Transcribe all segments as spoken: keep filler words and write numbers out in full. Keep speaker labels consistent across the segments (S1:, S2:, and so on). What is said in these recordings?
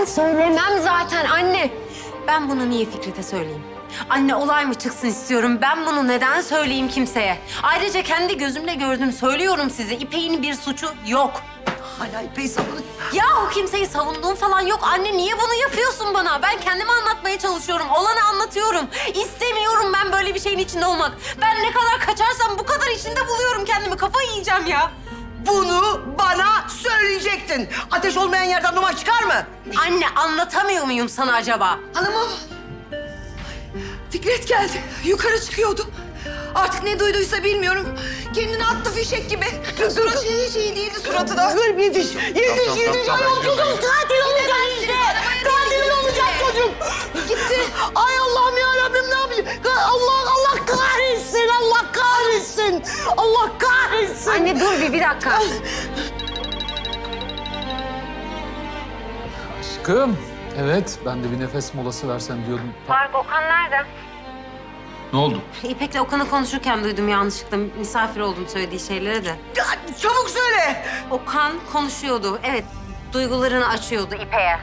S1: Ben söylemem zaten anne. Ben bunu niye Fikret'e söyleyeyim? Anne olay mı çıksın istiyorum. Ben bunu neden söyleyeyim kimseye? Ayrıca kendi gözümle gördüm. Söylüyorum size. İpek'in bir suçu yok.
S2: Hala İpek'i savunuyor.
S1: Yahu kimseyi savunduğum falan yok. Anne niye bunu yapıyorsun bana? Ben kendimi anlatmaya çalışıyorum. Olanı anlatıyorum. İstemiyorum ben böyle bir şeyin içinde olmak. Ben ne kadar kaçarsam bu kadar içinde buluyorum kendimi. Kafayı yiyeceğim ya.
S2: Bunu bana söyleyecektin. Ateş olmayan yerden duman çıkar mı?
S1: Anne anlatamıyor muyum sana acaba?
S3: Hanımım. Fikret geldi. Yukarı çıkıyordu. Artık ne duyduysa bilmiyorum. Kendini attı fişek gibi. Suratı hiç iyi değildi suratı da.
S2: Dur yetiş, yetiş, yetiş. Ayol çocuğum katil olacak işte. Katil olacak çocuğum.
S3: Gitti.
S2: Ay Allah'ım ya Rabbim ne yapayım? Allah Allah kahretsin, Allah kahretsin. Allah kahretsin.
S1: Anne dur bir, bir dakika.
S4: Aşkım. Evet, ben de bir nefes molası versem diyordum.
S1: Fark Okan nerede?
S4: Ne oldu?
S1: İpek'le Okan'ı konuşurken duydum yanlışlıkla. Misafir oldum söylediği şeyleri de.
S2: Ya, çabuk söyle.
S1: Okan konuşuyordu. Evet, duygularını açıyordu İpek'e.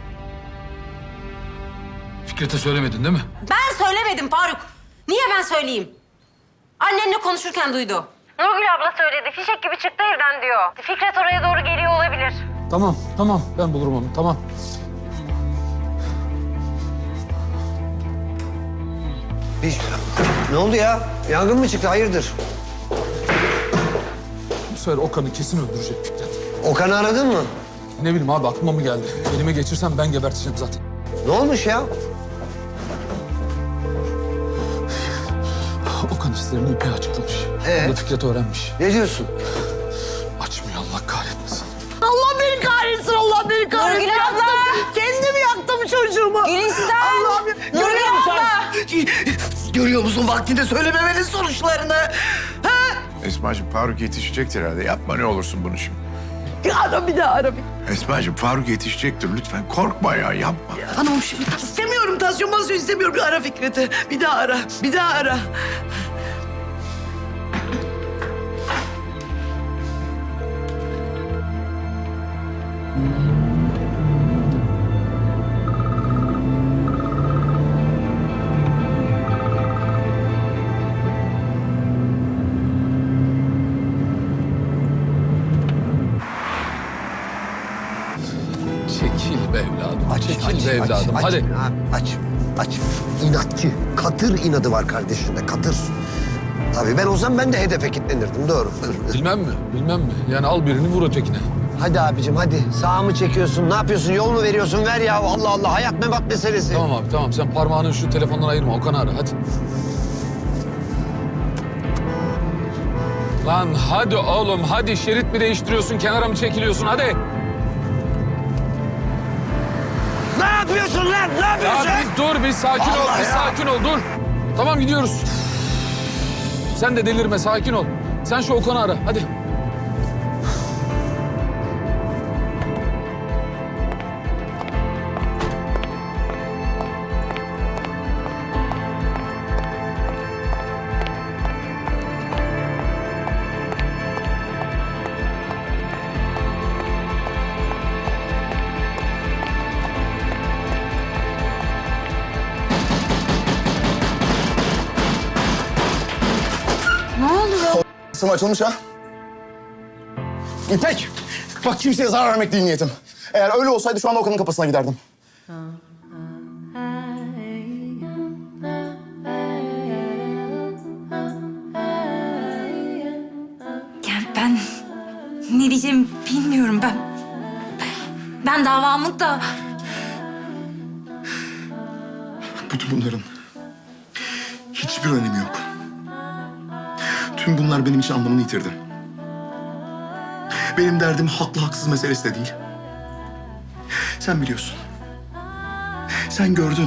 S4: Fikret'e söylemedin değil mi?
S1: Ben söylemedim Faruk. Niye ben söyleyeyim? Annenle konuşurken duydu. Nurgül abla söyledi. Fişek gibi çıktı evden diyor. Fikret oraya doğru geliyor olabilir.
S4: Tamam, tamam. Ben bulurum onu, tamam.
S5: Bir... Ne oldu ya? Yangın mı çıktı? Hayırdır?
S4: Bu sefer Okan'ı kesin öldürecek Fikret.
S5: Okan'ı aradın mı?
S4: Ne bileyim abi, aklıma mı geldi? Elime geçirsem ben geberteceğim zaten.
S5: Ne olmuş ya?
S4: Okan hislerini İpek'e açıklamış.
S5: Ee?
S4: Onu da Fikret öğrenmiş.
S5: Ne diyorsun?
S4: Açmıyor, Allah kahretmesin.
S2: Allah beni kahretsin, Allah beni kahretsin.
S1: Nurgül abla!
S2: Yaktım, Kendim yaktım çocuğumu.
S1: Gülistan!
S2: Allah'ım ya.
S1: Nurgül
S2: Görüyor musun?
S1: abla!
S2: Görüyor musun vaktinde söylememenin sonuçlarını? Ha?
S6: Esma'cığım Faruk yetişecektir herhalde. Yapma ne olursun bunu şimdi.
S2: Bir ara bir daha ara bir.
S6: Esma'cığım Faruk yetişecektir. Lütfen korkma ya yapma.
S2: Hanımım şimdi istemiyorum tansiyon tansiyon istemiyorum. Bir ara Fikret'i. Bir daha ara. Bir daha ara.
S4: Çekil be evladım, çekil be evladım.
S5: aç,
S4: Hadi.
S5: Abi, aç, aç. İnatçı, katır inadı var kardeşinde, katır. Tabii ben olsam ben de hedefe kilitlenirdim, doğru.
S4: Bilmem mi, bilmem mi? Yani al birini vur ötekine.
S5: Hadi abicim, hadi. Sağa mı çekiyorsun, ne yapıyorsun, yol mu veriyorsun? Ver ya, Allah Allah, hayat memat meselesi.
S4: Tamam abi, tamam. Sen parmağını şu telefondan ayırma. Okan'ı ara, hadi. Lan hadi oğlum, hadi. Şerit mi değiştiriyorsun, kenara mı çekiliyorsun? Hadi.
S5: Ne yapıyorsun lan, ne
S4: Ya
S5: yapıyorsun?
S4: bir dur, bir sakin ol,
S5: Allah
S4: bir
S5: ya.
S4: sakin ol, dur. Tamam, gidiyoruz. Sen de delirme, sakin ol. Sen şu Okan'ı ara, hadi.
S7: Kısım açılmış ha. İpek, bak kimseye zarar vermek değil niyetim. Eğer öyle olsaydı şu anda Okan'ın kapısına giderdim.
S8: Yani ben ne diyeceğimi bilmiyorum ben. Ben davamı da...
S7: Bütün bunların hiçbir önemi yok. Tüm bunlar benim için anlamını yitirdi. Benim derdim haklı haksız meselesi de değil. Sen biliyorsun. Sen gördün.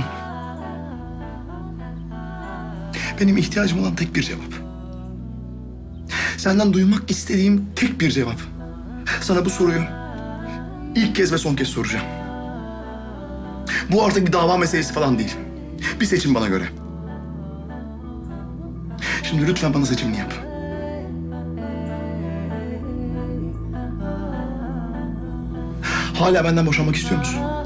S7: Benim ihtiyacım olan tek bir cevap. Senden duymak istediğim tek bir cevap. Sana bu soruyu ilk kez ve son kez soracağım. Bu artık bir dava meselesi falan değil. Bir seçim bana göre. Şimdi lütfen bana seçimini yap. Hala benden boşanmak istiyor musun?